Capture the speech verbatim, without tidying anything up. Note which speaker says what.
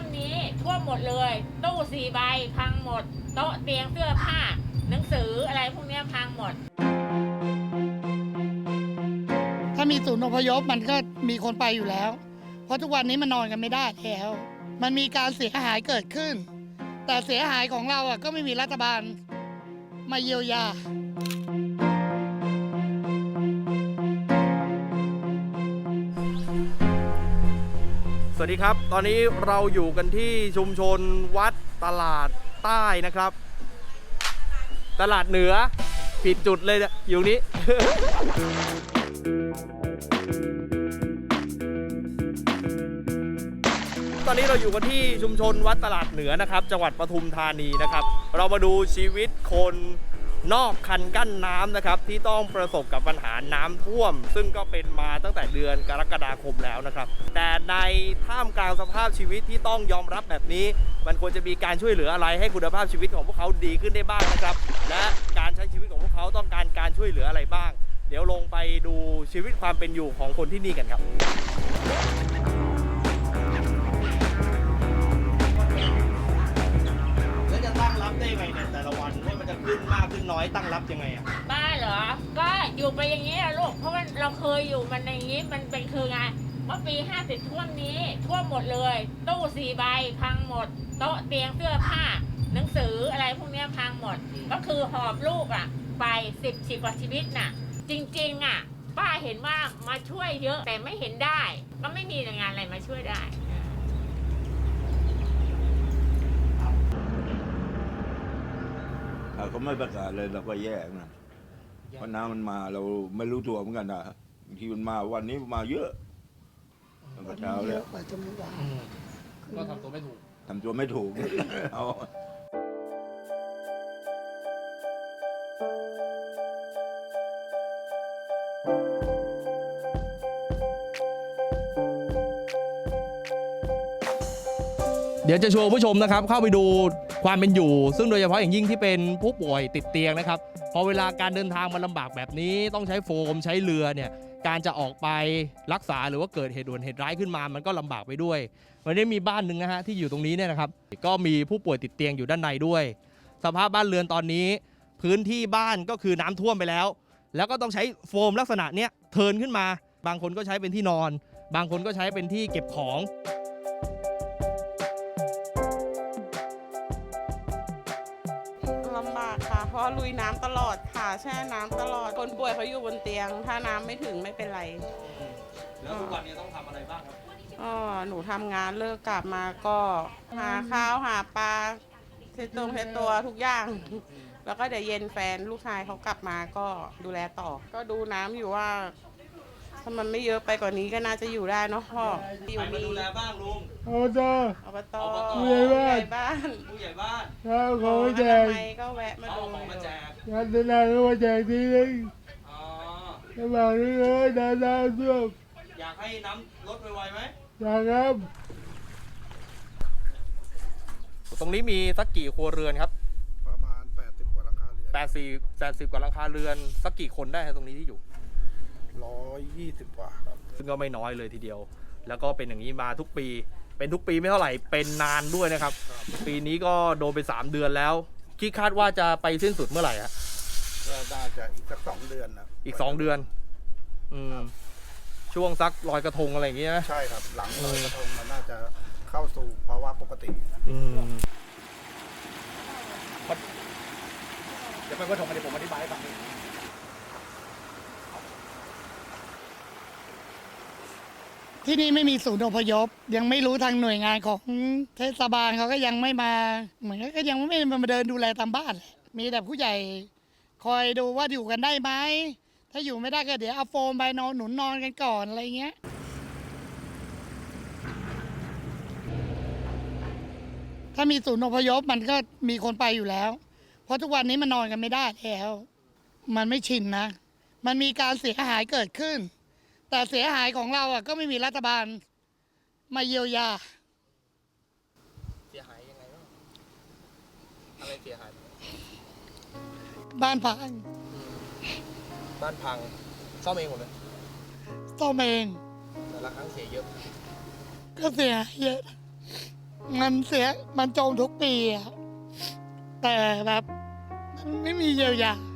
Speaker 1: นี้ท่วมหมดเลยตู้สี่ใบพังหมดโต๊ะเตียงเสื้อผ้าหนังสืออะไรพวกนี้พังหมด
Speaker 2: ถ้ามีศูนย์อพยพมันก็มีคนไปอยู่แล้วเพราะทุกวันนี้มันนอนกันไม่ได้แล้วมันมีการเสียหายเกิดขึ้นแต่เสียหายของเราอ่ะก็ไม่มีรัฐบาลมาเยียวยา
Speaker 3: สวัสดีครับตอนนี้เราอยู่กันที่ชุมชนวัดตลาดใต้นะครับตลาดเหนือผิดจุดเลยอยู่นี้ ตอนนี้เราอยู่กันที่ชุมชนวัดตลาดเหนือนะครับจังหวัดปทุมธานีนะครับเรามาดูชีวิตคนนอกคันกั้นน้ำนะครับที่ต้องประสบกับปัญหาน้ำท่วมซึ่งก็เป็นมาตั้งแต่เดือนกรกฎาคมแล้วนะครับแต่ในท่ามกลางสภาพชีวิตที่ต้องยอมรับแบบนี้มันควรจะมีการช่วยเหลืออะไรให้คุณภาพชีวิตของพวกเขาดีขึ้นได้บ้างนะครับและการใช้ชีวิตของพวกเขาต้องการการช่วยเหลืออะไรบ้างเดี๋ยวลงไปดูชีวิตความเป็นอยู่ของคนที่นี่กันครับแล้วจะตั้งรับได้ไงเนี่ยแต่ละวันว่ามันจะขึ้นมากขึ้นน้อยตั้งรับยังไงอ่ะ
Speaker 1: บ้าเหรอก็อยู่ไปอย่างนี้อะลูกเพราะว่าเราเคยอยู่มันในนี้มันเป็นคือไงเมื่อปีห้าสิบท่วมนี้ท่วมหมดเลยตู้สี่ใบพังหมดโต๊ะเตียงเสื้อผ้าหนังสืออะไรพวกนี้พังหมดก็คือหอบลูกอ่ะไปสิบสิบกว่าชีวิตน่ะจริงๆอ่ะป้าเห็นว่ามาช่วยเยอะแต่ไม่เห็นได้ก็ไม่มีงานอะไรมาช่วยได้
Speaker 4: ถ้าเขาไม่ประกาศเลยเราก็แย่นะเพราะน้ำมันมาเราไม่รู้ตัวเหมือนกันนะบางทีมันมาวันนี้มาเยอะตั้งแต่เช้าแล้ว
Speaker 3: ก็ทำตัวไม่ถูก
Speaker 4: ทำตัวไม่ถูก เอา
Speaker 3: เดี๋ยวจะชวนผู้ชมนะครับเข้าไปดูความเป็นอยู่ซึ่งโดยเฉพาะอย่างยิ่งที่เป็นผู้ป่วยติดเตียงนะครับพอเวลาการเดินทางมันลำบากแบบนี้ต้องใช้โฟมใช้เรือเนี่ยการจะออกไปรักษาหรือว่าเกิดเหตุด่วนเหตุร้ายขึ้นมามันก็ลำบากไปด้วยวันนี้มีบ้านหนึ่งนะฮะที่อยู่ตรงนี้เนี่ยนะครับก็มีผู้ป่วยติดเตียงอยู่ด้านในด้วยสภาพบ้านเรือนตอนนี้พื้นที่บ้านก็คือน้ำท่วมไปแล้วแล้วก็ต้องใช้โฟมลักษณะเนี้ยเทิร์นขึ้นมาบางคนก็ใช้เป็นที่นอนบางคนก็ใช้เป็นที่เก็บของ
Speaker 5: ลำบากค่ะเพราะลุยน้ำตลอดค่ะแช่น้ำตลอดคนป่วยเขาอยู่บนเตียงถ้าน้ำไม่ถึงไม่เป็นไร
Speaker 3: แล้วทุกวันนี้ต้องทำอะไรบ้างครับ
Speaker 5: อ๋อหนูทำงานเลิกกลับมาก็หาข้าวหาปลาเช็ดตัวเช็ดตัวทุกอย่างแล้วก็เดี๋ยวเย็นแฟนลูกชายเขากลับมาก็ดูแลต่อก็ดูน้ำอยู่ว่าถ้ามันไม่เยอะไปกว่านี้ก็น่าจะอยู่ได้เนาะพ่อ
Speaker 3: อยู่มีดูแลบ้างลุง
Speaker 2: อบต
Speaker 5: อบต
Speaker 2: ผู้ใหญ่บ้าน
Speaker 5: บ้าน
Speaker 3: ผู้ใหญ่บ้าน
Speaker 2: แล้วเขาแจก
Speaker 5: ก็แวะมาดู
Speaker 3: มาแจก
Speaker 2: งานนานก็มาแจกทีนึง
Speaker 3: อ๋อ
Speaker 2: ระหว่างนี้เลยนานๆเพื่อ
Speaker 3: อยากให้น้ำลดไวๆไหม
Speaker 2: อยากครับ
Speaker 3: ตรงนี้มีสักกี่ครัวเรือนครับ
Speaker 6: ประมาณแปดสิบกว่าหลังคาเรือน
Speaker 3: แปดสิบ แปดสิบกว่าหลังคาเรือนสักกี่คนได้ตรงนี้ที่อยู่
Speaker 6: ร้อยยี่สิบกว่าครับ
Speaker 3: ซึ่งก็ไม่น้อยเลยทีเดียวแล้วก็เป็นอย่างนี้มาทุกปีเป็นทุกปีไม่เท่าไหร่เป็นนานด้วยนะครับปีนี้ก็โดนไปสามเดือนแล้วคิดคาดว่าจะไปสิ้นสุดเมื่อไหร่ฮะ
Speaker 6: ก็น่าจะอีกสักสองเดือนนะ
Speaker 3: อีกสองเดือนอืมช่วงสักลอยกระทงอะไรอย่างเงี้ย
Speaker 6: ใช่ครับหลังลอยกระทงมันน่าจะเข้าสู่ภาวะปกติ
Speaker 3: อืม
Speaker 6: เดี๋ยวไปว่าทงมาเดี๋ยวผมอธิบายให้ฟัง
Speaker 2: ที่นี่ไม่มีศูนย์อพยพยังไม่รู้ทางหน่วยงานของเทศบาลเขาก็ยังไม่มาเหมือนก็ยังไม่มาเดินดูแลตามบ้านมีแต่ผู้ใหญ่คอยดูว่าอยู่กันได้ไหมถ้าอยู่ไม่ได้ก็เดี๋ยวเอาโฟมไปนอนหนุนนอนกันก่อนอะไรเงี้ยถ้ามีศูนย์อพยพมันก็มีคนไปอยู่แล้วเพราะทุกวันนี้มันนอนกันไม่ได้แล้วมันไม่ชินนะมันมีการเสียหายเกิดขึ้นแต่เสียหายของเราอ่ะก็ไม่มีรัฐบาลมาเยียวยา
Speaker 3: เสียหายยังไงบ้างอะไรเสียหาย
Speaker 2: บ้านพัง
Speaker 3: บ้านพังซ่อมเองหมดเลย
Speaker 2: ซ่อมเอง
Speaker 3: แต่ละครั้งเสียเยอะ
Speaker 2: ก็เสียเยอะมันเสียมันจมทุกปีอะแต่แบบมันไม่มีเยียวยา